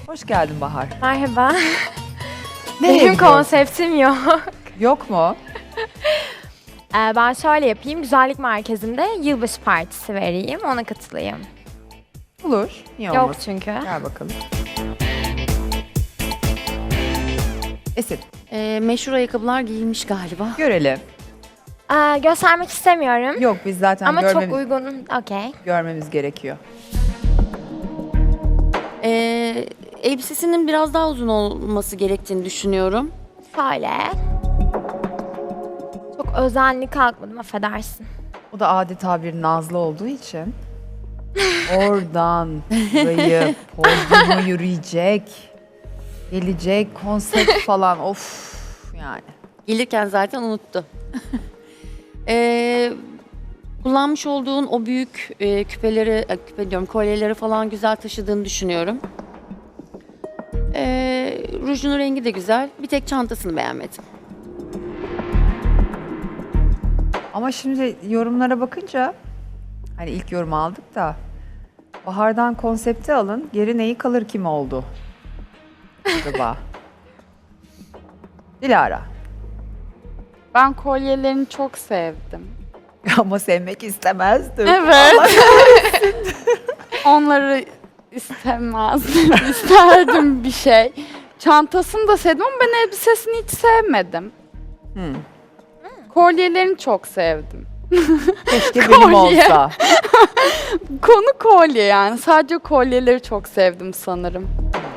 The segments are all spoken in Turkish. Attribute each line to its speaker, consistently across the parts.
Speaker 1: Hoş geldin Bahar.
Speaker 2: Merhaba.
Speaker 1: Nereye
Speaker 2: Benim
Speaker 1: gidiyorsun?
Speaker 2: konseptim yok.
Speaker 1: Yok mu?
Speaker 2: Ben şöyle yapayım. Güzellik merkezinde yılbaşı partisi vereyim. Ona katılayım.
Speaker 1: Olur. Niye
Speaker 2: Yok
Speaker 1: olmasın?
Speaker 2: çünkü.
Speaker 1: Gel bakalım. Esin,
Speaker 3: Meşhur ayakkabılar giyilmiş galiba.
Speaker 1: görelim.
Speaker 2: Göstermek istemiyorum.
Speaker 1: Yok biz zaten
Speaker 2: Ama çok
Speaker 1: görmemiz,
Speaker 2: uygun. Okey.
Speaker 1: görmemiz gerekiyor.
Speaker 3: Elbisesinin biraz daha uzun olması gerektiğini düşünüyorum.
Speaker 2: Şöyle. Çok özenli kalkmadım, affedersin.
Speaker 1: O da adeta bir nazlı olduğu için oradan burayı podyuma yürüyecek, gelecek, konsept falan of yani.
Speaker 3: Gelirken zaten unuttu. Kullanmış olduğun o büyük küpeleri, küpe diyorum, kolyeleri falan güzel taşıdığını düşünüyorum. Rujunun rengi de güzel. Bir tek çantasını beğenmedim.
Speaker 1: Ama şimdi yorumlara bakınca hani ilk yorum aldık da Bahar'dan konsepti alın. Geri neyi kalır kim oldu? Acaba? Dilara.
Speaker 4: Ben kolyelerini çok sevdim.
Speaker 1: Ama sevmek istemezdim.
Speaker 4: Evet. Onları istemezdim. İsterdim bir şey. Çantasını da sevdim ama ben elbisesini hiç sevmedim. Kolyelerini çok sevdim.
Speaker 1: Keşke benim
Speaker 4: Kolye.
Speaker 1: olsa.
Speaker 4: Konu kolye yani. Sadece kolyeleri çok sevdim sanırım.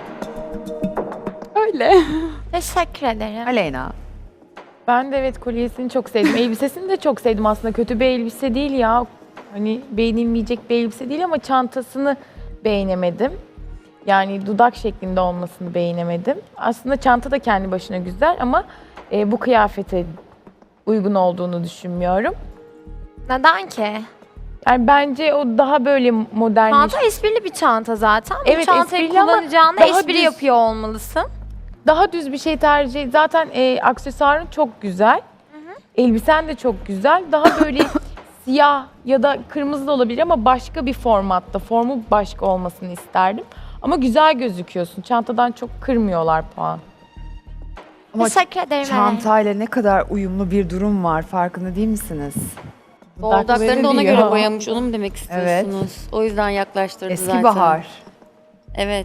Speaker 4: Öyle.
Speaker 2: Teşekkür ederim.
Speaker 1: Aleyna.
Speaker 5: Ben de evet kolyesini çok sevdim. Elbisesini de çok sevdim aslında. Kötü bir elbise değil ya. Hani beğenilmeyecek bir elbise değil ama çantasını beğenemedim. Yani dudak şeklinde olmasını beğenemedim. Aslında çanta da kendi başına güzel ama bu kıyafete uygun olduğunu düşünmüyorum.
Speaker 2: Neden ki?
Speaker 5: Yani bence o daha böyle modern.
Speaker 2: Çanta esprili bir çanta zaten. Bu
Speaker 5: Evet,
Speaker 2: çantayı
Speaker 5: esprili ama
Speaker 2: kullanacağına
Speaker 5: daha
Speaker 2: espri
Speaker 5: düz.
Speaker 2: yapıyor olmalısın.
Speaker 5: Daha düz bir şey tercih. Zaten aksesuarın çok güzel. Elbisen de çok güzel. Daha böyle siyah ya da kırmızı da olabilir ama başka bir formatta. Formu başka olmasını isterdim. Ama güzel gözüküyorsun. Çantadan çok kırmıyorlar puan.
Speaker 1: Ama
Speaker 2: Teşekkür ederim.
Speaker 1: çantayla ne kadar uyumlu bir durum var farkında değil misiniz?
Speaker 3: Dudaklarını da ona
Speaker 5: diyor.
Speaker 3: göre boyamış. Onu mu demek istiyorsunuz? O yüzden yaklaştırdı
Speaker 1: Eski
Speaker 3: zaten.
Speaker 1: Bahar.
Speaker 3: Evet.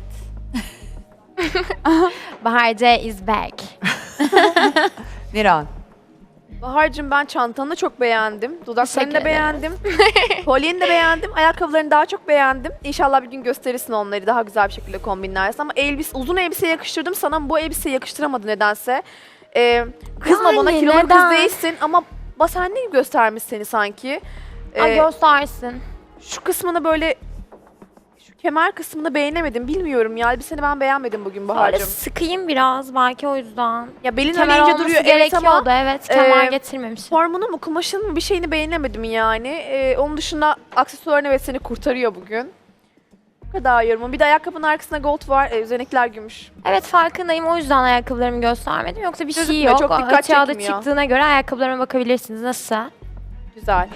Speaker 2: Bahar C is back.
Speaker 1: Niran.
Speaker 6: Bahar'cığım ben çantanı çok beğendim. Dudaklarını
Speaker 2: Teşekkür
Speaker 6: da
Speaker 2: ederim.
Speaker 6: beğendim. Kolyeni de beğendim. Ayakkabılarını daha çok beğendim. İnşallah bir gün gösterirsin onları. Daha güzel bir şekilde kombinlersin. Ama uzun elbise yakıştırdım sana ama bu elbiseyi yakıştıramadı nedense. Kızma
Speaker 2: Yani
Speaker 6: bana kilolu
Speaker 2: neden?
Speaker 6: kız değilsin ama basenli gibi göstermiş seni sanki.
Speaker 2: Ay göstersin.
Speaker 6: Şu kısmını böyle şu kemer kısmını beğenemedim. Bilmiyorum ya elbiseni ben beğenmedim bugün
Speaker 2: Böyle
Speaker 6: Bahar'cığım.
Speaker 2: sıkayım biraz belki o yüzden.
Speaker 6: Ya belin
Speaker 2: Kemer
Speaker 6: öyle ince
Speaker 2: olması
Speaker 6: duruyor evet ama
Speaker 2: gerekiyordu evet. Kemer
Speaker 6: e,
Speaker 2: getirmemişim.
Speaker 6: formunu mu kumaşın mı bir şeyini beğenemedim yani. Onun dışında aksesuarın evet seni kurtarıyor bugün. Bu kadar yorumum. Bir de ayakkabının arkasında gold var. Üzerindekiler gümüş.
Speaker 2: Evet farkındayım o yüzden ayakkabılarımı göstermedim. Yoksa bir şey
Speaker 6: Gözükmüyor,
Speaker 2: yok.
Speaker 6: çok dikkat
Speaker 2: Açığa da
Speaker 6: çekmiyor.
Speaker 2: çıktığına göre ayakkabılarıma bakabilirsiniz. Nasıl?
Speaker 6: Güzel.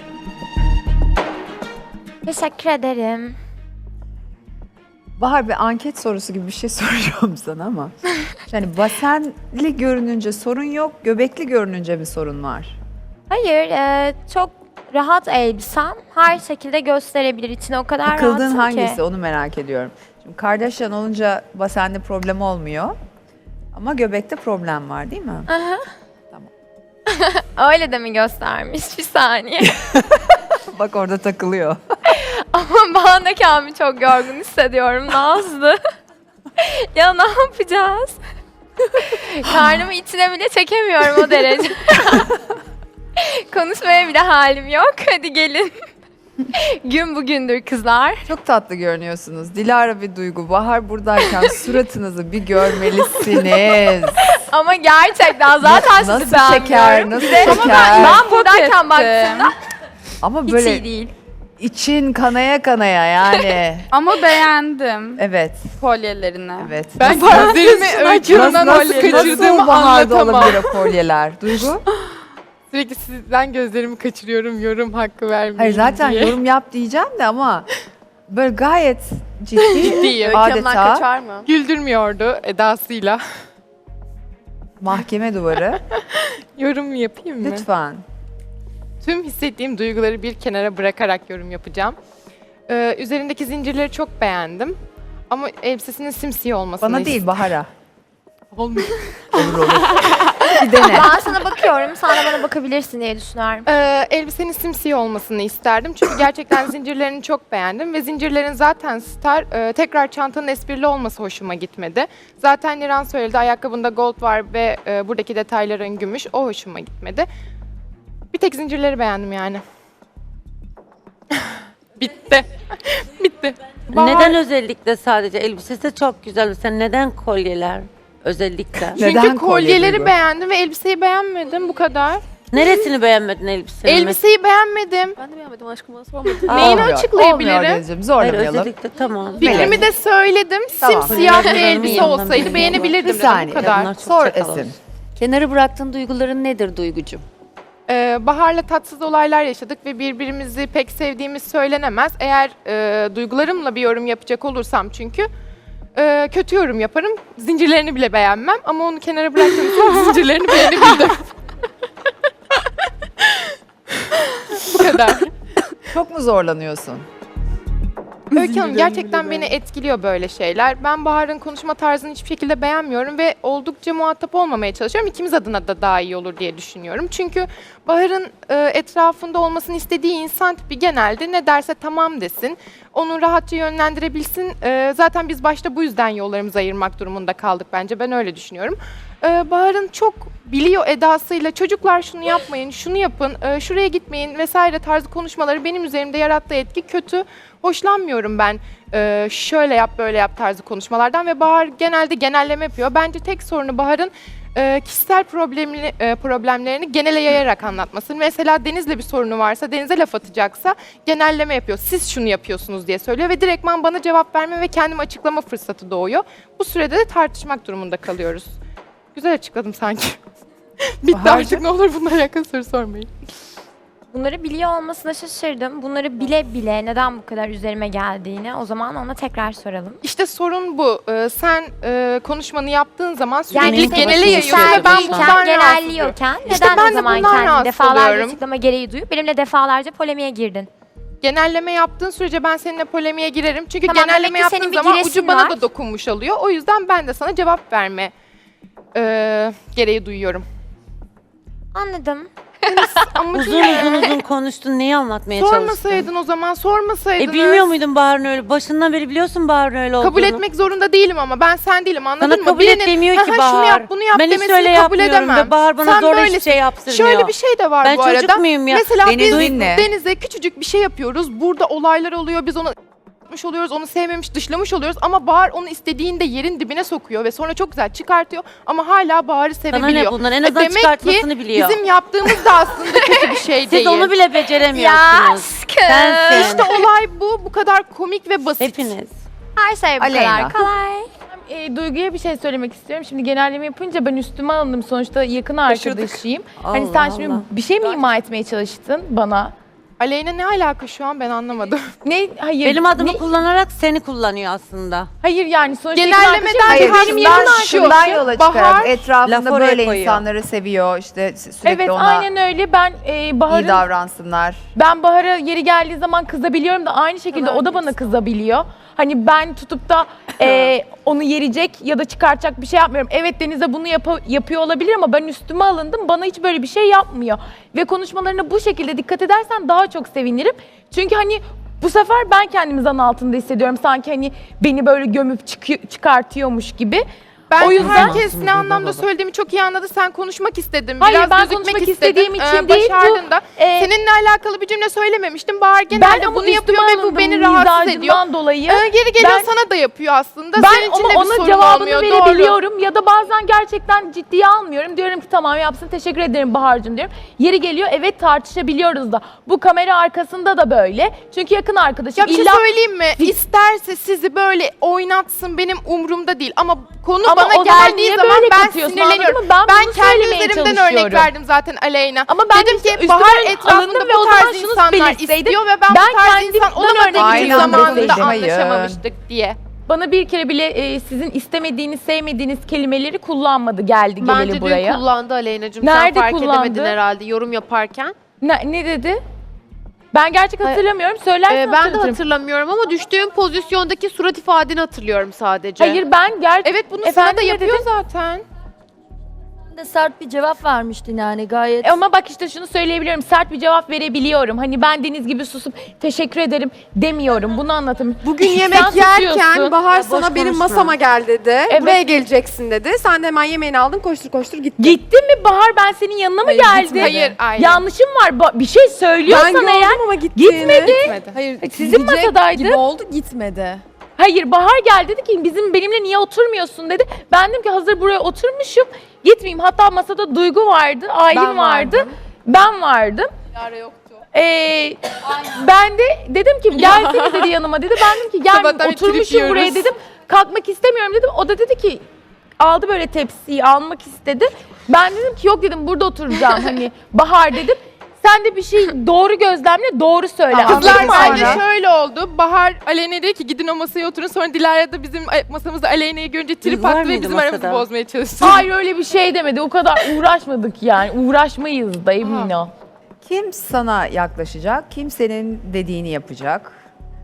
Speaker 2: Teşekkür ederim.
Speaker 1: Bahar bir anket sorusu gibi bir şey soracağım sana ama. Yani basenli görününce sorun yok, göbekli görününce mi sorun var?
Speaker 2: Hayır çok rahat elbisem. Her şekilde gösterebilir. İçine o kadar
Speaker 1: Takıldığın
Speaker 2: rahatım
Speaker 1: hangisi
Speaker 2: ki.
Speaker 1: onu merak ediyorum. Şimdi Kardashian olunca basenli problem olmuyor. Ama göbekte problem var değil mi?
Speaker 2: Öyle de mi göstermiş? Bir saniye.
Speaker 1: Bak orada takılıyor.
Speaker 2: Ama ben de kendimi çok yorgun hissediyorum Nazlı. Ya ne yapacağız? Karnımı içine bile çekemiyorum o derece. Konuşmaya bile halim yok. Hadi gelin. Gün bugündür kızlar.
Speaker 1: Çok tatlı görünüyorsunuz. Dilara ve Duygu, Bahar buradayken suratınızı bir görmelisiniz.
Speaker 2: Ama gerçekten zaten sizi
Speaker 1: Nasıl
Speaker 2: beğenmiyorum.
Speaker 1: şeker, nasıl
Speaker 2: Bir de-
Speaker 1: şeker.
Speaker 2: Ben buradayken
Speaker 4: ettim.
Speaker 2: baktığımda
Speaker 1: Ama
Speaker 2: hiç
Speaker 1: böyle
Speaker 2: iyi değil.
Speaker 1: için kanaya kanaya yani.
Speaker 4: Ama beğendim
Speaker 1: Evet,
Speaker 4: kolyelerini.
Speaker 1: evet.
Speaker 5: Ben gözlerimi öykümden nasıl kaçırdığımı
Speaker 1: Bahar'da
Speaker 5: anlatamam.
Speaker 1: olabilir o kolyeler? Duygu?
Speaker 5: Sürekli sizden gözlerimi kaçırıyorum yorum hakkı vermeyin
Speaker 1: Hayır zaten
Speaker 5: diye.
Speaker 1: yorum yap diyeceğim de ama böyle gayet ciddi
Speaker 7: Ciddiyim.
Speaker 6: Öykü Hanım'dan
Speaker 1: adeta
Speaker 6: kaçar mı?
Speaker 7: Güldürmüyordu edasıyla.
Speaker 1: mahkeme duvarı.
Speaker 7: Yorum yapayım mı?
Speaker 1: Lütfen.
Speaker 7: Tüm hissettiğim duyguları bir kenara bırakarak yorum yapacağım. Üzerindeki zincirleri çok beğendim. Ama elbisesinin simsiyah olmasını
Speaker 1: Bana değil Bahar'a.
Speaker 7: Olmuyor.
Speaker 1: Olur olur. Bir dene.
Speaker 2: Ben sana bakıyorum, sen de bana bakabilirsin diye düşünüyorum.
Speaker 7: Elbisenin simsiyah olmasını isterdim. Çünkü gerçekten zincirlerini çok beğendim. Ve zincirlerin zaten star, tekrar çantanın esprili olması hoşuma gitmedi. Zaten Niran söyledi, ayakkabında gold var ve buradaki detayların gümüş. O hoşuma gitmedi. Bir tek zincirleri beğendim yani. Bitti. Bitti.
Speaker 8: Neden özellikle sadece elbisesi de çok güzel. Mesela neden kolyeler özellikle?
Speaker 7: Çünkü
Speaker 1: Neden kolye
Speaker 7: kolyeleri
Speaker 1: Duygu?
Speaker 7: beğendim ve elbiseyi beğenmedim. Bu kadar.
Speaker 8: Neresini beğenmedin elbisenin?
Speaker 7: Elbiseyi beğenmedim.
Speaker 6: Ben de beğenmedim aşkım, bana sormadın.
Speaker 7: Neyini
Speaker 1: Olmuyor,
Speaker 7: açıklayabilirim?
Speaker 1: Olmuyor Denizciğim,
Speaker 8: Hayır,
Speaker 1: zorlamayalım.
Speaker 8: özellikle tamam.
Speaker 7: Fikrimi de söyledim.
Speaker 1: Tamam.
Speaker 7: Simsiyah bir
Speaker 8: Kolyeleri
Speaker 7: elbise
Speaker 8: beğenmedim.
Speaker 7: olsaydı
Speaker 8: Bir
Speaker 7: beğenebilirdim
Speaker 1: Bir
Speaker 7: dedim.
Speaker 1: saniye.
Speaker 7: Bu kadar.
Speaker 8: Bunlar çok
Speaker 1: Sor
Speaker 8: çakal
Speaker 1: Esin.
Speaker 3: Kenara bıraktığın duyguların nedir Duygucuğum?
Speaker 7: Bahar'la tatsız olaylar yaşadık ve birbirimizi pek sevdiğimiz söylenemez. Eğer duygularımla bir yorum yapacak olursam çünkü kötü yorum yaparım. Zincirlerini bile beğenmem ama onu kenara bıraktığım zincirlerini beğenebildim. Bu kadar.
Speaker 1: Çok mu zorlanıyorsun?
Speaker 7: Öykü Hanım gerçekten beni etkiliyor böyle şeyler. Ben Bahar'ın konuşma tarzını hiçbir şekilde beğenmiyorum ve oldukça muhatap olmamaya çalışıyorum. İkimiz adına da daha iyi olur diye düşünüyorum. Çünkü Bahar'ın etrafında olmasını istediği insan tipi genelde ne derse tamam desin. Onu rahatça yönlendirebilsin. Zaten biz başta bu yüzden yollarımızı ayırmak durumunda kaldık bence. Ben öyle düşünüyorum. Bahar'ın çok biliyor edasıyla çocuklar şunu yapmayın, şunu yapın, şuraya gitmeyin vesaire tarzı konuşmaları benim üzerimde yarattığı etki kötü. Hoşlanmıyorum ben şöyle yap böyle yap tarzı konuşmalardan ve Bahar genelde genelleme yapıyor. Bence tek sorunu Bahar'ın kişisel problemlerini genele yayarak anlatması. Mesela Deniz'le bir sorunu varsa, Deniz'e laf atacaksa genelleme yapıyor. Siz şunu yapıyorsunuz diye söylüyor ve direktman bana cevap verme ve kendimi açıklama fırsatı doğuyor. Bu sürede de tartışmak durumunda kalıyoruz. Güzel açıkladım sanki. Bitti
Speaker 1: Bahar'cığım?
Speaker 7: artık, ne olur bununla alakalı soru sormayın.
Speaker 2: Bunları biliyor olmasına şaşırdım. Bunları bile bile neden bu kadar üzerime geldiğini o zaman ona tekrar soralım.
Speaker 7: İşte sorun bu. Sen konuşmanı yaptığın zaman
Speaker 2: Yani
Speaker 7: sürekli
Speaker 8: işte
Speaker 7: genele
Speaker 8: bakın,
Speaker 7: yayıyorsun
Speaker 8: sen
Speaker 7: ve ben
Speaker 8: değilken,
Speaker 7: bundan rahatsızım.
Speaker 2: genelliyorken
Speaker 7: İşte
Speaker 2: neden
Speaker 7: ben
Speaker 2: o
Speaker 7: de
Speaker 2: zaman
Speaker 7: bundan
Speaker 2: kendini
Speaker 7: rahatsız
Speaker 2: defalarca
Speaker 7: oluyorum.
Speaker 2: açıklama gereği duyup benimle defalarca polemiğe girdin?
Speaker 7: Genelleme yaptığın sürece ben seninle polemiğe girerim. Çünkü
Speaker 2: Tamam, demek
Speaker 7: genelleme
Speaker 2: ki senin
Speaker 7: yaptığın
Speaker 2: bir
Speaker 7: zaman
Speaker 2: giresin
Speaker 7: ucu bana
Speaker 2: var.
Speaker 7: da dokunmuş oluyor. O yüzden ben de sana cevap verme gereği duyuyorum.
Speaker 2: Anladım.
Speaker 7: Ama
Speaker 8: Uzun konuştun. Neyi anlatmaya çalıştın?
Speaker 7: sormasaydın o zaman, sormasaydın.
Speaker 8: Bilmiyor muydun Bahar'ın öyle? Başından beri biliyorsun Bahar'ın öyle olduğunu.
Speaker 7: Kabul etmek zorunda değilim ama ben sen değilim, anladın
Speaker 8: Sana
Speaker 7: mı?
Speaker 8: kabul et demiyor ki
Speaker 7: "Aha,
Speaker 8: Bahar.
Speaker 7: şunu yap bunu yap
Speaker 8: Ben hiç
Speaker 7: demesini
Speaker 8: öyle
Speaker 7: kabul
Speaker 8: yapmıyorum
Speaker 7: edemem.
Speaker 8: ve Bahar bana
Speaker 7: Sen
Speaker 8: zorla hiçbir
Speaker 7: böylesin.
Speaker 8: şey yaptırmıyor.
Speaker 7: Şöyle bir şey de var
Speaker 8: Ben
Speaker 7: bu
Speaker 8: çocuk
Speaker 7: arada.
Speaker 8: muyum ya?
Speaker 7: Mesela
Speaker 1: Deniz
Speaker 7: biz
Speaker 1: dinle.
Speaker 7: Deniz'e küçücük bir şey yapıyoruz. Burada olaylar oluyor. Biz onu yapmış oluyoruz, onu sevmemiş, dışlamış oluyoruz ama Bahar onu istediğinde yerin dibine sokuyor ve sonra çok güzel çıkartıyor ama hala Bahar'ı
Speaker 8: Sana
Speaker 7: sevebiliyor.
Speaker 8: ne bundan? En azından
Speaker 7: Demek ki
Speaker 8: çıkartmasını biliyor.
Speaker 7: bizim yaptığımız da aslında kötü bir şey
Speaker 8: Siz
Speaker 7: değil.
Speaker 8: onu bile beceremiyorsunuz. Sensin.
Speaker 7: İşte olay bu kadar komik ve basit.
Speaker 8: Hepiniz.
Speaker 2: Her şey bu
Speaker 1: Aleyna.
Speaker 2: kadar kolay.
Speaker 5: Duygu'ya bir şey söylemek istiyorum. Şimdi genelleme yapınca ben üstüme alındım. Sonuçta yakın arkadaşıyım. Hani sen
Speaker 8: Allah
Speaker 5: şimdi
Speaker 8: Allah.
Speaker 5: bir şey mi ima etmeye çalıştın bana?
Speaker 7: Aleyna ne alaka şu an, ben anlamadım.
Speaker 5: Ne? Hayır.
Speaker 8: Benim adımı
Speaker 5: ne-
Speaker 8: kullanarak seni kullanıyor aslında.
Speaker 5: Hayır yani sonuçta
Speaker 7: Genellemeden
Speaker 5: yakın arkadaşım.
Speaker 1: Hayır,
Speaker 7: benim
Speaker 1: şundan,
Speaker 7: yakın
Speaker 1: şundan
Speaker 7: arkadaşım
Speaker 1: yola
Speaker 7: Bahar,
Speaker 1: çıkarak etrafında
Speaker 8: laf oraya
Speaker 1: böyle
Speaker 8: koyuyor.
Speaker 1: insanları seviyor. İşte sürekli
Speaker 5: Evet
Speaker 1: ona
Speaker 5: aynen öyle. Ben
Speaker 1: iyi
Speaker 5: Bahar'ın
Speaker 1: davransınlar.
Speaker 5: Ben Bahar'a yeri geldiği zaman kızabiliyorum da aynı şekilde o da bana kızabiliyor. Hani ben tutup da onu yerecek ya da çıkartacak bir şey yapmıyorum. Evet Deniz'e bunu yapıyor olabilir ama ben üstüme alındım. Bana hiç böyle bir şey yapmıyor. Ve konuşmalarına bu şekilde dikkat edersen daha çok sevinirim. Çünkü hani bu sefer ben kendimi zan altında hissediyorum. Sanki hani beni böyle gömüp çıkartıyormuş gibi.
Speaker 7: Ben
Speaker 5: O yüzden-
Speaker 7: herkes ne anlamda söylediğimi çok iyi anladı. Sen konuşmak istedin.
Speaker 5: Hayır,
Speaker 7: Biraz
Speaker 5: ben
Speaker 7: gözükmek
Speaker 5: konuşmak
Speaker 7: istedin.
Speaker 5: istediğim için değil, bu,
Speaker 7: Başardın da.
Speaker 5: e,
Speaker 7: Seninle alakalı bir cümle söylememiştim. Bahar
Speaker 5: Ben
Speaker 7: genelde
Speaker 5: ama
Speaker 7: bunu yapıyor
Speaker 5: üstüme
Speaker 7: ve bu
Speaker 5: alındım
Speaker 7: beni rahatsız ediyor.
Speaker 5: mizacımdan dolayı.
Speaker 7: Geri geliyor
Speaker 5: Ben-
Speaker 7: sana da yapıyor aslında.
Speaker 5: Ben
Speaker 7: Senin için
Speaker 5: ama
Speaker 7: de bir
Speaker 5: ona
Speaker 7: sorun
Speaker 5: cevabını
Speaker 7: olmuyor.
Speaker 5: verebiliyorum ya da bazen gerçekten ciddiye almıyorum. Diyorum ki tamam yapsın, teşekkür ederim Bahar'cığım diyorum. Yeri geliyor evet tartışabiliyoruz da. Bu kamera arkasında da böyle. Çünkü yakın arkadaşım.
Speaker 7: Ya bir şey
Speaker 5: İlla-
Speaker 7: söyleyeyim mi? İsterse sizi böyle oynatsın, benim umrumda değil. Ama konu
Speaker 5: Ama
Speaker 7: bana
Speaker 5: o zaman
Speaker 7: geldiği
Speaker 5: niye
Speaker 7: zaman
Speaker 5: böyle
Speaker 7: ben
Speaker 5: katıyorsun,
Speaker 7: sinirleniyorum.
Speaker 5: anladın mı? Ben bunu
Speaker 7: kendi
Speaker 5: söylemeye
Speaker 7: üzerimden
Speaker 5: çalışıyorum.
Speaker 7: örnek verdim zaten Aleyna.
Speaker 5: Ama ben
Speaker 7: dedim ki
Speaker 5: üstüme
Speaker 7: Bahar
Speaker 5: alındım
Speaker 7: etrafında
Speaker 5: ve
Speaker 7: bu
Speaker 5: o zaman
Speaker 7: tarz
Speaker 5: şunu
Speaker 7: insanlar
Speaker 5: belirtseydim,
Speaker 7: istiyor ve ben bu
Speaker 5: ben
Speaker 7: tarz
Speaker 5: kendimden
Speaker 7: insan olamadığım
Speaker 5: örnek
Speaker 7: için
Speaker 1: verdim.
Speaker 7: zamanında
Speaker 1: Hayır.
Speaker 7: anlaşamamıştık diye.
Speaker 5: Bana bir kere bile sizin istemediğiniz, sevmediğiniz kelimeleri kullanmadı geldi
Speaker 9: Bence
Speaker 5: geleli
Speaker 9: dün
Speaker 5: buraya.
Speaker 9: kullandı Aleyna'cığım.
Speaker 5: Nerede
Speaker 9: Sen fark
Speaker 5: kullandı?
Speaker 9: edemedin herhalde yorum yaparken.
Speaker 5: Ne dedi? Ben gerçek hatırlamıyorum. Söylersen
Speaker 9: Ben de
Speaker 5: hatırlatırım.
Speaker 9: hatırlamıyorum ama düştüğüm pozisyondaki surat ifadeni hatırlıyorum sadece.
Speaker 5: Hayır ben
Speaker 7: Evet bunu sana
Speaker 5: Efendim
Speaker 7: da
Speaker 5: ne
Speaker 7: yapıyor
Speaker 5: dedin?
Speaker 7: zaten.
Speaker 10: de sert bir cevap vermiştin yani gayet.
Speaker 5: Ama bak işte şunu söyleyebiliyorum. Sert bir cevap verebiliyorum. Hani ben Deniz gibi susup teşekkür ederim demiyorum. Bunu anlatayım.
Speaker 6: Bugün
Speaker 5: Sen
Speaker 6: yemek
Speaker 5: susuyorsun.
Speaker 6: yerken Bahar
Speaker 8: boş
Speaker 6: sana benim
Speaker 8: konuşma.
Speaker 6: masama gel dedi.
Speaker 5: Evet.
Speaker 6: Buraya geleceksin dedi. Sen de hemen yemeğini aldın koştur koştur gittin.
Speaker 5: Gittin mi Bahar, ben senin yanına mı
Speaker 6: Hayır,
Speaker 5: geldim?
Speaker 6: gitmedi.
Speaker 7: Hayır, hayır.
Speaker 5: Yanlışım var. Bir şey
Speaker 6: Ben
Speaker 5: söylüyorsan
Speaker 6: gördüm
Speaker 5: eğer
Speaker 6: ama gittiğini.
Speaker 5: gitmedi.
Speaker 6: Hayır,
Speaker 5: Sizin
Speaker 6: gidecek
Speaker 5: masadaydı.
Speaker 6: gibi oldu gitmedi.
Speaker 5: Hayır, Bahar geldi dedi ki benimle niye oturmuyorsun dedi. Ben dedim ki hazır buraya oturmuşum gitmeyeyim. Hatta masada Duygu vardı, Aylin
Speaker 6: Ben
Speaker 5: vardı,
Speaker 6: vardım.
Speaker 5: ben vardım.
Speaker 6: Yara yoktu.
Speaker 5: Ben de dedim ki gelsene dedi yanıma dedi. Ben dedim ki gel
Speaker 7: Sabahtan trip
Speaker 5: oturmuşum buraya
Speaker 7: yiyoruz.
Speaker 5: dedim. Kalkmak istemiyorum dedim. O da dedi ki aldı böyle tepsiyi almak istedi. Ben dedim ki yok dedim burada oturacağım hani Bahar dedim. Sen de bir şey doğru gözlemle doğru söyle.
Speaker 6: Tamam.
Speaker 5: Anladın
Speaker 7: Kızlar
Speaker 5: mı
Speaker 7: bence
Speaker 5: Aynen?
Speaker 7: şöyle oldu. Bahar Aleyna'ya dedi ki gidin o masaya oturun. Sonra Dilara da bizim masamızda Aleyna'yı görünce trip
Speaker 8: var
Speaker 7: attı ve
Speaker 8: mıydı
Speaker 7: bizim aramızı
Speaker 8: masada?
Speaker 7: bozmaya çalıştı.
Speaker 5: Hayır öyle bir şey demedi. O kadar uğraşmadık yani. Uğraşmayız da emin ol.
Speaker 1: Kim sana yaklaşacak, kim senin dediğini yapacak.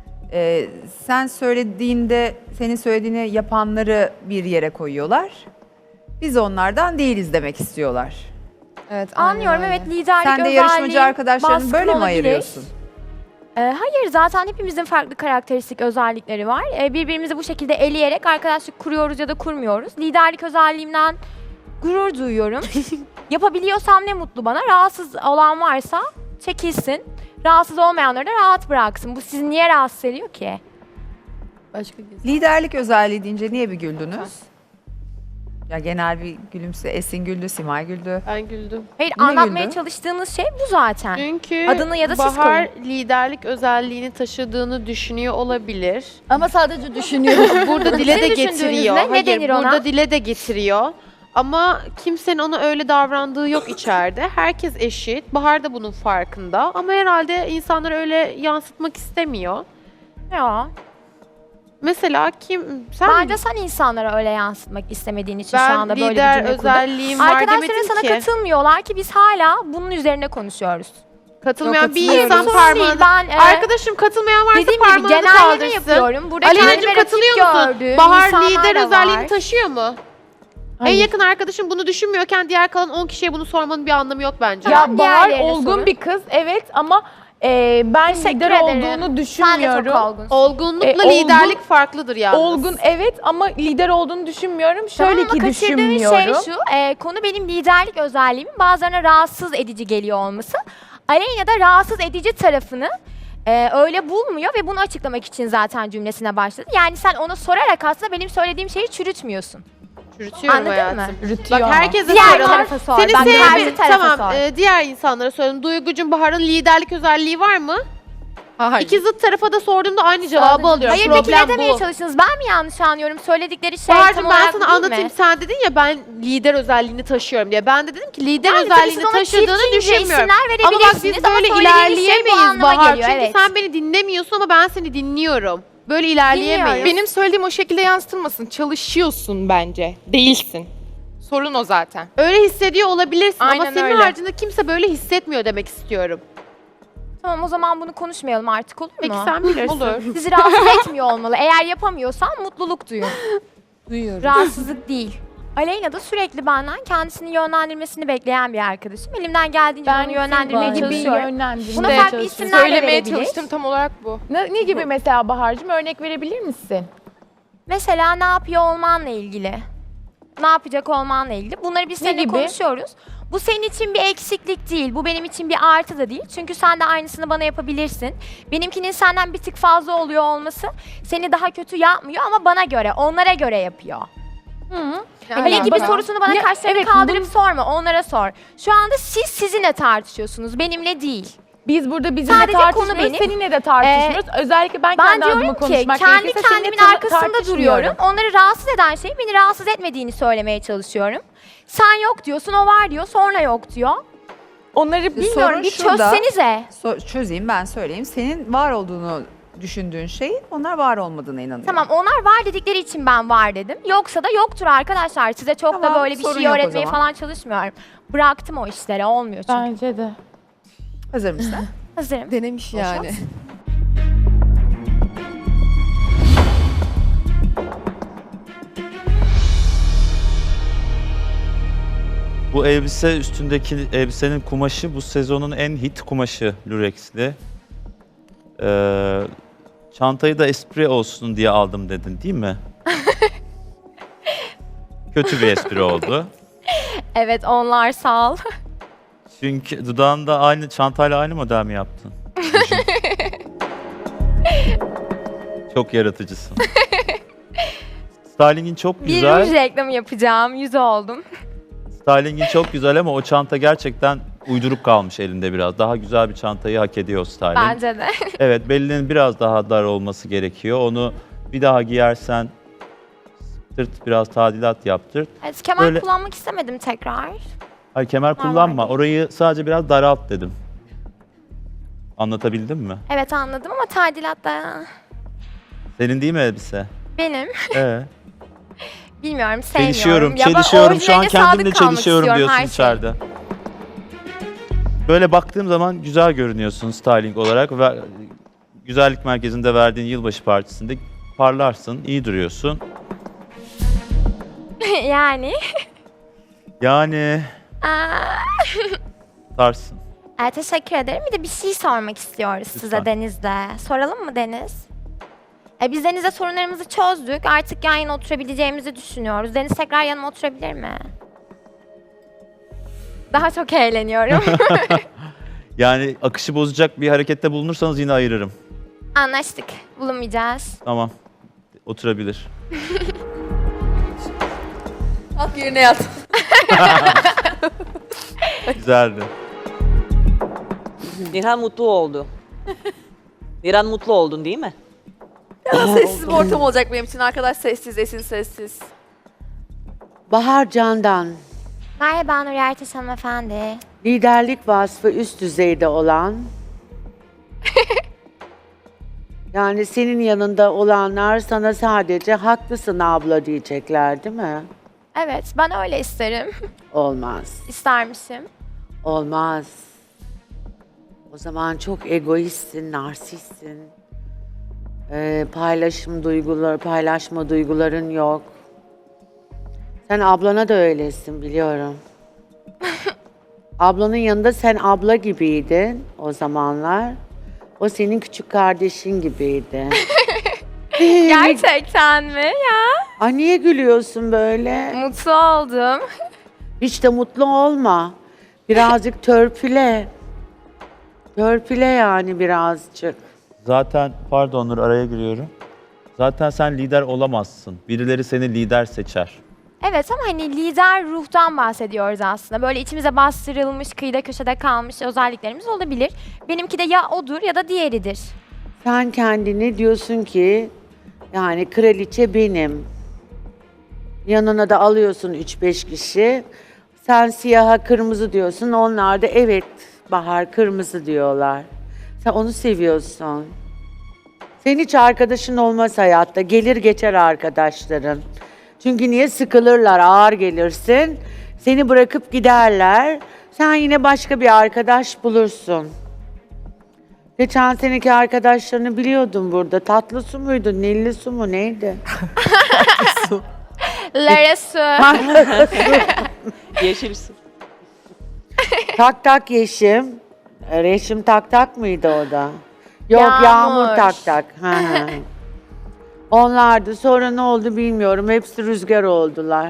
Speaker 1: Sen söylediğinde, senin söylediğini yapanları bir yere koyuyorlar. Biz onlardan değiliz demek istiyorlar.
Speaker 2: Evet, anlıyorum. Evet, liderlik
Speaker 1: Sen de
Speaker 2: özelliği
Speaker 1: yarışmacı arkadaşlarını
Speaker 2: baskın
Speaker 1: böyle mi
Speaker 2: olabilir.
Speaker 1: ayırıyorsun?
Speaker 2: Hayır, zaten hepimizin farklı karakteristik özellikleri var. Birbirimizi bu şekilde eleyerek arkadaşlık kuruyoruz ya da kurmuyoruz. Liderlik özelliğimden gurur duyuyorum. Yapabiliyorsam ne mutlu bana. Rahatsız olan varsa çekilsin. Rahatsız olmayanları da rahat bıraksın. Bu sizi niye rahatsız ediyor ki?
Speaker 10: Başka bir
Speaker 1: Liderlik özelliği deyince niye bir güldünüz? Ya genel bir gülümse, Esin güldü, Simay güldü.
Speaker 9: Ben güldüm.
Speaker 2: Hayır,
Speaker 1: Niye
Speaker 2: anlatmaya
Speaker 1: güldün?
Speaker 2: çalıştığınız şey bu zaten.
Speaker 9: Çünkü
Speaker 2: Adını ya da siz
Speaker 9: Bahar liderlik özelliğini taşıdığını düşünüyor olabilir.
Speaker 10: Ama sadece düşünüyorum.
Speaker 9: Burada dile de
Speaker 2: Sizin düşündüğünüz
Speaker 9: getiriyor.
Speaker 2: ne? Ne
Speaker 9: Hayır,
Speaker 2: denir ona?
Speaker 9: burada dile de getiriyor. Ama kimsenin ona öyle davrandığı yok içeride. Herkes eşit. Bahar da bunun farkında. Ama herhalde insanlar öyle yansıtmak istemiyor.
Speaker 2: Ya,
Speaker 9: Mesela sen
Speaker 2: bence sen insanlara öyle yansıtmak istemediğin için şu
Speaker 9: ben
Speaker 2: anda böyle bir
Speaker 9: lider
Speaker 2: cümle kurdun.
Speaker 9: özelliğim var
Speaker 2: Arkadaşların
Speaker 9: demedim
Speaker 2: sana
Speaker 9: ki.
Speaker 2: katılmıyorlar ki biz hala bunun üzerine konuşuyoruz.
Speaker 9: Katılmayan bir
Speaker 2: Hayır,
Speaker 9: insan
Speaker 2: sorun
Speaker 9: parmağını...
Speaker 2: değil. Ben
Speaker 9: Arkadaşım katılmayan varsa
Speaker 2: dediğim gibi
Speaker 9: parmağını
Speaker 2: genelleme
Speaker 9: kaldırsın.
Speaker 2: yapıyorum. Burada
Speaker 9: Aleyna'cığım
Speaker 2: kendime rakip
Speaker 9: katılıyor musun?
Speaker 2: gördüğüm
Speaker 9: Bahar
Speaker 2: insanlar
Speaker 9: lider
Speaker 2: da
Speaker 9: özelliğini
Speaker 2: var.
Speaker 9: taşıyor mu? En
Speaker 5: Hayır.
Speaker 9: yakın arkadaşım bunu düşünmüyorken diğer kalan 10 kişiye bunu sormanın bir anlamı yok bence.
Speaker 2: Tamam,
Speaker 5: Ya Bahar
Speaker 2: diğerlerine
Speaker 5: olgun
Speaker 2: sorun.
Speaker 5: bir kız evet ama ben
Speaker 2: Teşekkür
Speaker 5: lider
Speaker 2: ederim.
Speaker 5: olduğunu
Speaker 2: Sen de
Speaker 5: düşünmüyorum.
Speaker 2: çok olgunsun.
Speaker 9: Olgunlukla
Speaker 5: olgun-
Speaker 9: liderlik farklıdır yalnız.
Speaker 5: Olgun evet ama lider olduğunu düşünmüyorum.
Speaker 2: Tamam
Speaker 5: Şöyle
Speaker 2: ama
Speaker 5: ki
Speaker 2: kaçırdığın
Speaker 5: düşünmüyorum.
Speaker 2: şey şu, konu benim liderlik özelliğimin bazılarına rahatsız edici geliyor olması. Aleyna da rahatsız edici tarafını öyle bulmuyor ve bunu açıklamak için zaten cümlesine başladı. Yani sen ona sorarak aslında benim söylediğim şeyi çürütmüyorum.
Speaker 9: Çürütüyorum
Speaker 2: Anladın
Speaker 9: hayatım.
Speaker 2: mı?
Speaker 5: Rütüyor
Speaker 9: Bak
Speaker 5: ama.
Speaker 9: herkese
Speaker 2: Diğer
Speaker 9: soralım.
Speaker 2: tarafa sor.
Speaker 9: Seni
Speaker 2: Bak, karşı
Speaker 9: sevmedim.
Speaker 2: tarafa
Speaker 9: Tamam.
Speaker 2: sor.
Speaker 9: Diğer insanlara soralım. Duygucuğum Bahar'ın liderlik özelliği var mı?
Speaker 7: Hayır.
Speaker 9: İki zıt tarafa da sorduğumda aynı cevabı alıyorum.
Speaker 2: Hayır, peki ne
Speaker 9: Problem
Speaker 2: demeye
Speaker 9: bu.
Speaker 2: çalıştınız? Ben mi yanlış anlıyorum? Söyledikleri şey
Speaker 9: Bahar'cığım
Speaker 2: tam
Speaker 9: ben
Speaker 2: olarak
Speaker 9: sana
Speaker 2: değil
Speaker 9: anlatayım.
Speaker 2: mi?
Speaker 9: Sen dedin ya ben lider özelliğini taşıyorum diye. Ben de dedim ki lider
Speaker 2: Yani tabii
Speaker 9: özelliğini
Speaker 2: siz ona
Speaker 9: taşıdığını
Speaker 2: çirkince
Speaker 9: düşünmüyorum.
Speaker 2: isimler
Speaker 9: Ama bak
Speaker 2: verebilirsiniz
Speaker 9: biz
Speaker 2: ama
Speaker 9: böyle
Speaker 2: söylediğiniz şey bu
Speaker 9: ilerleyemeyiz
Speaker 2: anlama
Speaker 9: Bahar.
Speaker 2: geliyor,
Speaker 9: Çünkü
Speaker 2: evet.
Speaker 9: sen beni dinlemiyorsun ama ben seni dinliyorum. Böyle ilerleyemeyiz.
Speaker 2: Dinliyorum.
Speaker 7: Benim söylediğim o şekilde yansıtılmasın. Çalışıyorsun bence. Değilsin. Sorun o zaten.
Speaker 9: Öyle hissediyor olabilirsin ama
Speaker 7: Aynen
Speaker 9: senin
Speaker 7: öyle.
Speaker 9: haricinde kimse böyle hissetmiyor demek istiyorum.
Speaker 2: Tamam, o zaman bunu konuşmayalım artık, olur mu?
Speaker 9: Peki sen bilirsin.
Speaker 7: Olur.
Speaker 2: Sizi rahatsız etmiyor olmalı. Eğer yapamıyorsan mutluluk duyun.
Speaker 10: duyuyorum.
Speaker 2: Rahatsızlık değil. Aleyna da sürekli benden kendisini yönlendirmesini bekleyen bir arkadaşım. Elimden geldiğince onu yönlendirmeye
Speaker 10: gibi
Speaker 2: çalışıyorum.
Speaker 5: yönlendirmeye
Speaker 2: Buna farklı
Speaker 5: çalışıyorsun.
Speaker 2: isimler de
Speaker 7: Söylemeye
Speaker 2: verebilir.
Speaker 7: çalıştım tam olarak bu.
Speaker 5: Ne gibi mesela Bahar'cığım örnek verebilir misin?
Speaker 2: Mesela ne yapıyor olmanla ilgili. Ne yapacak olmanla ilgili. Bunları biz
Speaker 5: Ne
Speaker 2: seninle
Speaker 5: gibi?
Speaker 2: konuşuyoruz. Bu senin için bir eksiklik değil. Bu benim için bir artı da değil. Çünkü sen de aynısını bana yapabilirsin. Benimkinin senden bir tık fazla oluyor olması seni daha kötü yapmıyor ama bana göre, onlara göre yapıyor. Ali gibi sorusunu bana
Speaker 5: Ya,
Speaker 2: kaşlarını
Speaker 5: evet,
Speaker 2: kaldırıp sorma, onlara sor. Şu anda siz sizinle tartışıyorsunuz, benimle değil.
Speaker 5: Biz burada bizimle
Speaker 2: Sadece konu
Speaker 5: tartışmıyoruz,
Speaker 2: benim.
Speaker 5: seninle de tartışmıyoruz. Özellikle ben
Speaker 2: Ben
Speaker 5: kendi adıma
Speaker 2: diyorum ki
Speaker 5: konuşmak
Speaker 2: kendi
Speaker 5: gerekirse seninle
Speaker 2: kendimin arkasında
Speaker 5: tartışmıyorum.
Speaker 2: duruyorum. Onları rahatsız eden şey beni rahatsız etmediğini söylemeye çalışıyorum. Sen yok diyorsun, o var diyor, sonra yok diyor.
Speaker 5: Onları
Speaker 2: Bilmiyorum,
Speaker 1: Sorun
Speaker 2: bir
Speaker 1: şurada.
Speaker 2: çözsenize.
Speaker 1: Çözeyim, ben söyleyeyim. Senin var olduğunu düşündüğün şeyin onlar var olmadığına inanıyorum.
Speaker 2: Tamam onlar var dedikleri için ben var dedim. Yoksa da yoktur arkadaşlar. Size çok
Speaker 1: Tamam,
Speaker 2: da böyle bir
Speaker 1: sorun
Speaker 2: şey
Speaker 1: yok o
Speaker 2: öğretmeye
Speaker 1: zaman.
Speaker 2: falan çalışmıyorum. Bıraktım o işleri. Olmuyor çünkü.
Speaker 5: Bence de.
Speaker 1: Hazır mısın?
Speaker 2: Hazırım.
Speaker 6: Denemiş yani.
Speaker 11: Bu elbise, üstündeki elbisenin kumaşı bu sezonun en hit kumaşı, lürexli. Çantayı da espri olsun diye aldım dedin değil mi? Kötü bir espri oldu.
Speaker 2: Evet onlar sağ ol.
Speaker 11: Çünkü dudağında aynı çantayla aynı model mi yaptın? Çok yaratıcısın. Stylingin çok
Speaker 2: Bir
Speaker 11: güzel.
Speaker 2: ruj reklamı yapacağım. 100 oldum.
Speaker 11: Stylingin çok güzel ama o çanta gerçekten uyduruk kalmış elinde biraz. Daha güzel bir çantayı hak ediyor o styling.
Speaker 2: Bence de.
Speaker 11: Evet, belinin biraz daha dar olması gerekiyor. Onu bir daha giyersen sırt biraz tadilat yaptır.
Speaker 2: Evet, kemer
Speaker 11: Böyle-
Speaker 2: kullanmak istemedim tekrar.
Speaker 11: Hayır, kemer kullanma. Orayı sadece biraz daralt dedim. Anlatabildim mi?
Speaker 2: Evet anladım ama tadilat da
Speaker 11: Senin değil mi elbise?
Speaker 2: benim. Bilmiyorum sevmiyorum.
Speaker 11: Çelişiyorum,
Speaker 2: Ya ben
Speaker 11: çelişiyorum. Şu an
Speaker 2: orijinaline sadık
Speaker 11: kendimle
Speaker 2: kalmak
Speaker 11: çelişiyorum
Speaker 2: istiyorum,
Speaker 11: diyorsun
Speaker 2: her şey.
Speaker 11: içeride. Böyle baktığım zaman güzel görünüyorsun styling olarak ve güzellik merkezinde verdiğin yılbaşı partisinde parlarsın, iyi duruyorsun.
Speaker 2: Yani.
Speaker 11: Yani
Speaker 2: Aa,
Speaker 11: tarsın.
Speaker 2: teşekkür ederim. Bir de bir şey sormak istiyoruz size
Speaker 11: Lütfen.
Speaker 2: Deniz'de. Soralım mı Deniz? Biz Deniz'le sorunlarımızı çözdük. Artık yan yana oturabileceğimizi düşünüyoruz. Deniz tekrar yanıma oturabilir mi? Daha çok eğleniyorum.
Speaker 11: Yani akışı bozacak bir harekette bulunursanız yine ayırırım.
Speaker 2: Anlaştık. Bulunmayacağız.
Speaker 11: Tamam. Oturabilir.
Speaker 6: Kalk yerine yat.
Speaker 11: Güzeldi.
Speaker 12: Nihan mutlu oldu. Nihan mutlu oldun değil mi?
Speaker 6: Biraz sessiz bir ortam olacak benim için. Arkadaş sessiz, Esin sessiz.
Speaker 13: Bahar Candan,
Speaker 2: Merhaba Nur Ertaş hanımefendi.
Speaker 13: liderlik vasfı üst düzeyde olan, yani senin yanında olanlar sana sadece haklısın abla diyecekler değil mi?
Speaker 2: Evet ben öyle isterim.
Speaker 13: Olmaz,
Speaker 2: İstermişim.
Speaker 13: olmaz. O zaman çok egoistsin, narsistsin. Paylaşma duyguların yok. Sen ablana da öylesin biliyorum. Ablanın yanında sen abla gibiydin o zamanlar. O senin küçük kardeşin gibiydi.
Speaker 2: Gerçekten mi ya?
Speaker 13: Ay niye gülüyorsun böyle?
Speaker 2: Mutlu oldum.
Speaker 13: Hiç de mutlu olma. Birazcık törpüle. Törpüle yani birazcık.
Speaker 11: Zaten pardon Nur, araya giriyorum. Zaten sen lider olamazsın. Birileri seni lider seçer.
Speaker 2: Evet ama hani lider ruhtan bahsediyoruz aslında. Böyle içimize bastırılmış, kıyıda köşede kalmış özelliklerimiz olabilir. Benimki de ya odur ya da diğeridir.
Speaker 13: Sen kendini diyorsun ki yani kraliçe benim. Yanına da alıyorsun 3-5 kişi. Sen siyaha kırmızı diyorsun. Onlar da evet Bahar kırmızı diyorlar. Sen onu seviyorsun. Senin hiç arkadaşın olmaz hayatta. Gelir geçer arkadaşların. Çünkü niye sıkılırlar, ağır gelirsin. Seni bırakıp giderler. Sen yine başka bir arkadaş bulursun. Geçen seneki arkadaşlarını biliyordum burada. Tatlı su muydu, nilli su mu neydi?
Speaker 2: Lara su.
Speaker 12: Yeşil su.
Speaker 13: Tak tak Yeşim. Reşim tak tak mıydı o da? Yok
Speaker 2: Yağmur.
Speaker 13: Yağmur tak tak. Hı hı. Onlardı. Sonra ne oldu bilmiyorum. Hepsi rüzgar oldular.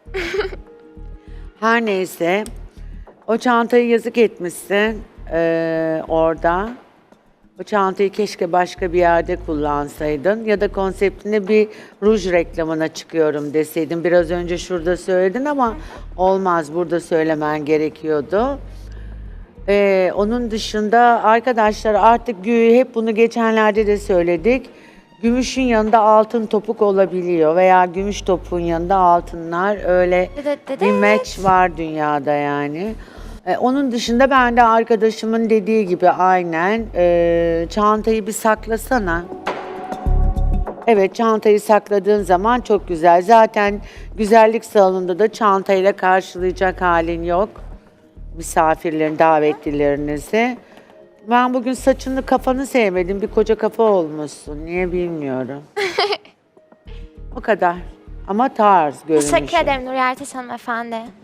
Speaker 13: Her neyse. O çantayı yazık etmişsin orada. O çantayı keşke başka bir yerde kullansaydın. Ya da konseptinde bir ruj reklamına çıkıyorum deseydin. Biraz önce şurada söyledin ama olmaz. Burada söylemen gerekiyordu. Onun dışında arkadaşlar artık hep bunu geçenlerde de söyledik. Gümüşün yanında altın topuk olabiliyor veya gümüş topuğun yanında altınlar öyle bir match var dünyada yani. Onun dışında ben de arkadaşımın dediği gibi aynen çantayı bir saklasana. Evet, çantayı sakladığın zaman çok güzel. Zaten güzellik salonunda da çantayla karşılayacak halin yok. Misafirlerin, davetlilerinizi. Ben bugün saçını, kafanı sevmedim. Bir koca kafa olmuşsun. Niye bilmiyorum. O kadar. Ama tarz görünüşü.
Speaker 2: Teşekkür ederim Nuriyerteş hanımefendi.